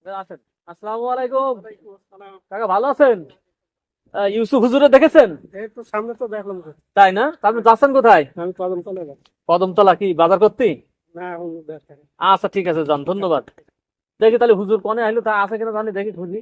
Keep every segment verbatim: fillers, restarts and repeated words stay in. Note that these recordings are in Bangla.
আছেন। আসসালামু আলাইকুম। কাকা ভালো আছেন? আহ, ইউসুফ হুজুরে দেখেছেন? এই তো সামনে তো দেখলাম তো। তাই না? তা আপনি যাচ্ছেন কোথায়? আমি কদম তলে যাচ্ছি। কদমতলা কি বাজার করতে? না এখন দেখেন। আচ্ছা ঠিক আছে, যান, ধন্যবাদ। দেখি তাহলে হুজুর কনে আইলো, তা আছে কিনা জানি, দেখি খুঁজি।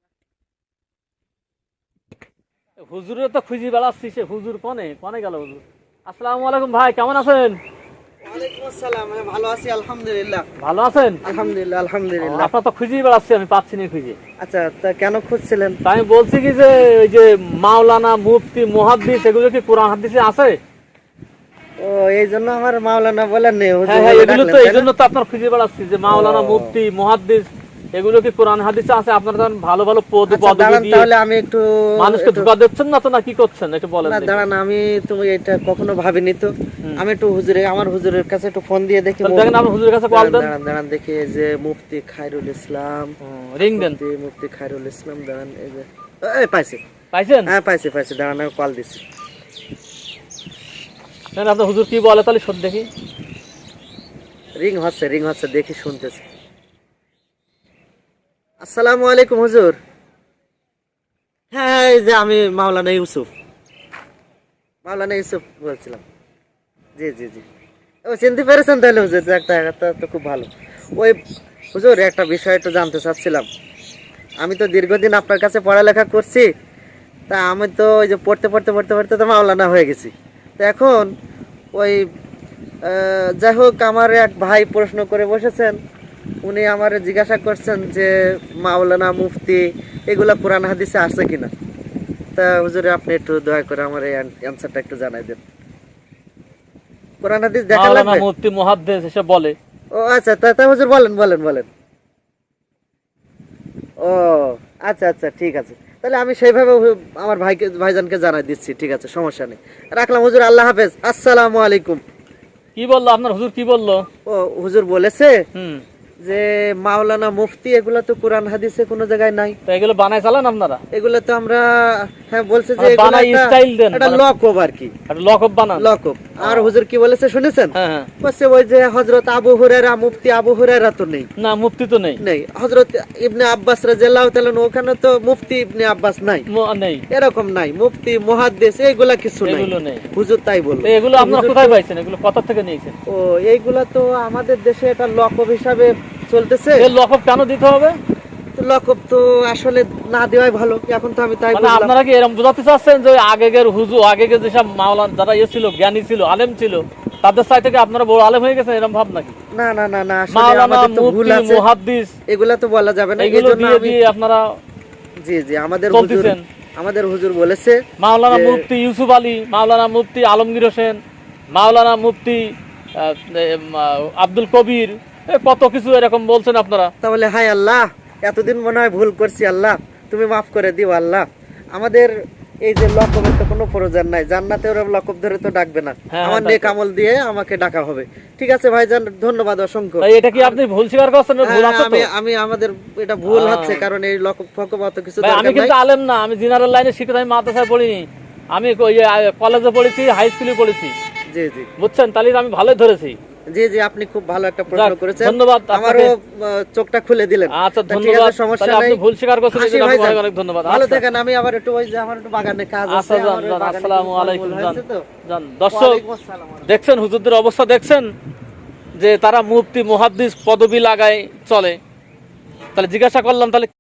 হুজুরের তো খুঁজি বেড়াচ্ছি, সে হুজুর কনে কনে গেল হুজুর? আসসালামু আলাইকুম ভাই, কেমন আছেন? ওয়ালাইকুম আসসালাম। আমি ভালো আছি আলহামদুলিল্লাহ। ভালো আছেন? আলহামদুলিল্লাহ আলহামদুলিল্লাহ। আপনার তো খুঁজি বেড়াচ্ছি, আমি পাচ্ছি না খুঁজে। আচ্ছা, তা কেন খুঁজছিলেন? তা আমি বলছি কি যে ওই যে মাওলানা, মুফতি, মুহাদ্দিস এগুলো কি কোরআন হাদিসে আছে? ও, এই জন্য আমার মাওলানা বলেন নেই, হুজুর হ্যাঁ হ্যাঁ, বলে এগুলো ডাকলেন, তো তাই এই না? জন্য তো আপনার খুঁজে বেড়াচ্ছি যে মাওলানা, ও। মুফতি, মুহাদ্দিস এগুলো কি কোরআন হাদিসে আছে? আপনারা তখন ভালো ভালো পদ আচ্ছা, পদবি দাঁড়ান দিয়ে তাহলে আমি একটু মানুষকে একটু- ধোঁকা দিচ্ছেন না তো, না কি করছেন একটু বলেন না দেখি। দাঁড়ান, আমি তুমি এটা কখনো ভাবিনি তো। হুম। আমি একটু হুজুরে আমার হুজুরের কাছে একটু ফোন দিয়ে দেখি। তাহলে দেখেন, আপনি হুজুরের কাছে কল দাঁড়ান দেন। দাঁড়ান দাঁড়ান, দেখি এই যে মুফতি খায়রুল ইসলাম। রিং দেন। মুফতি মুফতি খায়রুল ইসলাম, দাঁড়ান, এই যে এই পাইছি। পাইছেন? হ্যাঁ পাইছি পাইছি, দাঁড়ান আমি কল দিছি। দেখেন আপনার হুজুর কি বলে, তাহলে শোন দেখি। রিং হচ্ছে রিং হচ্ছে, দেখি শুনতেছি। আসসালামু আলাইকুম হুজুর। হ্যাঁ, এই যে আমি মাওলানা ইউসুফ, মাওলানা ইউসুফ বলছিলাম। জি জি জি। ও, চিনতে পেরেছেন তাহলে হুজুর? একটা একটা তো খুব ভালো। ওই হুজুর, একটা বিষয় একটু জানতে চাচ্ছিলাম। আমি তো দীর্ঘদিন আপনার কাছে পড়ালেখা করছি, তা আমি তো ওই যে পড়তে পড়তে পড়তে পড়তে তো মাওলানা হয়ে গেছি। তো এখন ওই আহ, যাই হোক, আমার এক ভাই প্রশ্ন করে বসেছেন। উনি আমার জিজ্ঞাসা করছেন যে মাওলানা, মুফতি এগুলা কোরআন হাদিসে আছে কিনা। তা হুজুরে আপনি একটু দয়া করে আমার এই অ্যানসারটা একটু জানাই দেন। কোরআন হাদিস দেখা মাওলানা, লাগবে? মুফতি, মুহাদ্দিস এসব বলে। ও আচ্ছা, তা তা হুজুর বলেন বলেন বলেন। ও আচ্ছা আচ্ছা, ঠিক আছে। তাহলে আমি সেইভাবে হু- আমার ভাইকে ভাইজানকে জানাই দিচ্ছি। ঠিক আছে, সমস্যা নেই। রাখলাম হুজুর, আল্লাহ হাফেজ, আসসালামু আলাইকুম। কি বললো আপনার হুজুর, কি বললো? ও, হুজুর বলেছে হুম। যে মাওলানা, মুফতি এগুলা তো কোরআন হাদিসে কোনো জায়গায় নাই। তো এগুলো বানায় চালান আপনারা? এগুলা তো আমরা, হ্যাঁ বলছে যে মানে এগুলা বানাই একটা- স্টাইল দেন, একটা মানে- লকব আর কি, একটা লকব বানান? লকব। আর হুজুর কি বলেছে শুনেছেন? হ্যাঁ হ্যাঁ। বলছে ওই যে হযরত আবু হুরায়রা, মুফতি আবু হুরায়রা তো নেই। না, মুফতি তো নেই। নেই। হযরত ইবনে আব্বাস রাদিয়াল্লাহু তাআলা আনহু, ওখানে তো মুফতি ইবনে আব্বাস নাই, মু- নেই। এরকম নাই। মুফতি, মুহাদ্দিস এগুলা কিছু নাই। এগুলো নেই। হুজুর তাই বলল। তো এগুলো আপনারা হুজুর কোথায় তো- পাইছেন? এগুলো কোথা থেকে নিয়েছেন? ও, এইগুলা তো আমাদের দেশে এটা লকব হিসাবে চলতেছে। এর লকব কেন দিতে হবে? তো লকব তো আসলে না দেওয়াই ভালো, এখন তো আমি তাই মানে বুঝলাম। আপনারা কি এরকম বোঝাতে চাচ্ছেন যে আগের হুজুর, আগের যেসব মাওলানা যারা ইয়ে ছিল, জ্ঞানী ছিল, আলেম ছিল, তাদের চাই থেকে আপনারা বড় আলেম হয়ে গেছেন, এরকম ভাব নাকি? না না না না, আসলে মাওলানা, আমাদের তো ভুল মুফতি, আছে। মুহাদ্দিস এগুলা তো বলা যাবে না, এগুলো এজন্য দিয়ে আমি দিয়ে আপনারা জি জি, আমাদের হুজুর চলতেছেন। আমাদের হুজুর বলেছে মাওলানা যে- মুফতি ইউসুফ আলী, মাওলানা মুফতি আলমগীর হোসেন, মাওলানা মুফতি আহ, এম, আহ, আব্দুল কবির, এ কত কিছু এরকম বলছেন আপনারা। তাহলে হায় আল্লাহ, এতদিন মনে হয় ভুল করছি, আল্লাহ তুমি মাফ করে দিও আল্লাহ। আমাদের এই যে লকবের তো কোনো প্রয়োজন নাই, জান্নাতে ওরা লকব ধরে তো ডাকবে না, হ্যাঁ, আমার তাই নেক তো। আমল দিয়ে আমাকে ডাকা হবে। ঠিক আছে ভাইজান, ধন্যবাদ অসংখ্য। তাই এটা কি আপনি ভুল স্বীকার করছেন? ভুল হ্যাঁ, আছে তো? আমি আমি আমাদের এটা ভুল আহ। হচ্ছে, কারণ এই লকব ফকব অত কিছু ভাই, আমি দরকার নাই। কিন্তু আলেম না, আমি জেনারেল লাইনে শিক্ষিত, আমি মাদ্রাসায় পড়িনি, আমি ওই কলেজে পড়েছি, হাই স্কুলে পড়েছি, জি জি বুঝছেন? তাহলে আমি ভালোই ধরেছি। জি জি, আপনি খুব ভালো একটা প্রশ্ন যাক, করেছেন, ধন্যবাদ আপনাকে। আমারও আহ, চোখটা খুলে দিলেন। আচ্ছা, তা ঠিক ধন্যবাদ। আছে, সমস্যা তাহলে আপনি নাই। ভুল স্বীকার করছেন, এই আসি জন্য আপনাকে ভাইজান, অনেক অনেক ধন্যবাদ। ভালো আচ্ছা। থাকেন। আমি আবার একটু ওই যে আমার একটু বাগানে কাজ আছে, আচ্ছা, যান আমার ওই যান, বাগানে আসসালামু কিছু আলাইকুম, ফলমূল যান হয়েছে তো। যান। দর্শক ওয়ালাইকুম আসসালাম। দেখছেন হুজুরদের অবস্থা, দেখছেন যে তারা মুফতি, মুহাদ্দিস পদবি লাগায় চলে। তাহলে জিজ্ঞাসা করলাম, তাহলে